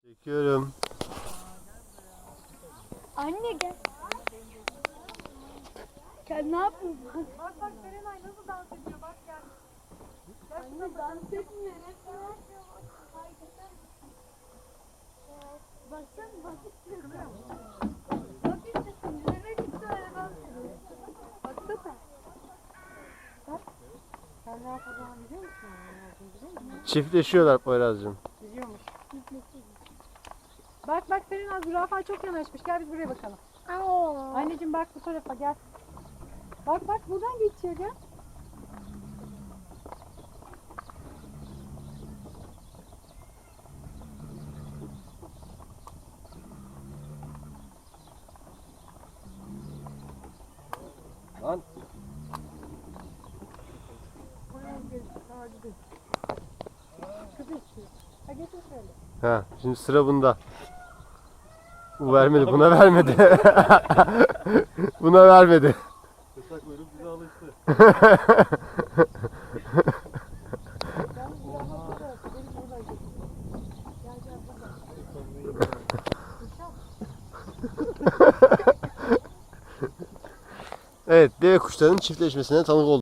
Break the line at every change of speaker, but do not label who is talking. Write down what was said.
Çekiyorum.
Anne gel. Gel ne yapıyorsun?
Bak bak Serenay nasıl dans ediyor bak gel.
Anne dans etmiyor. Baksana bak istiyorum. Bak istiyorsun. Yürümek istiyor. Baksana. Bak.
Sen ne yapacağını biliyor musun? Ne yapacağını biliyor musun?
Çiftleşiyorlar Poyraz'cığım.
Biliyormuş. Bak bak Serenay zürafa çok yanaşmış. Gel biz buraya bakalım. Anneciğim bak bu tarafa gel. Bak bak buradan geçiyor gel.
Lan.
Buraya gel. Sağa gidelim. Kız istiyor. Ha getir şöyle.
Ha, şimdi sıra bunda. Bu vermedi, buna vermedi. Buna vermedi.
Kısa kuyruk bize alıştı.
Ben zürafa burada. Benim buradan geçiyor. Gel gel buradan.
Evet, deve kuşlarının çiftleşmesine tanık olduk.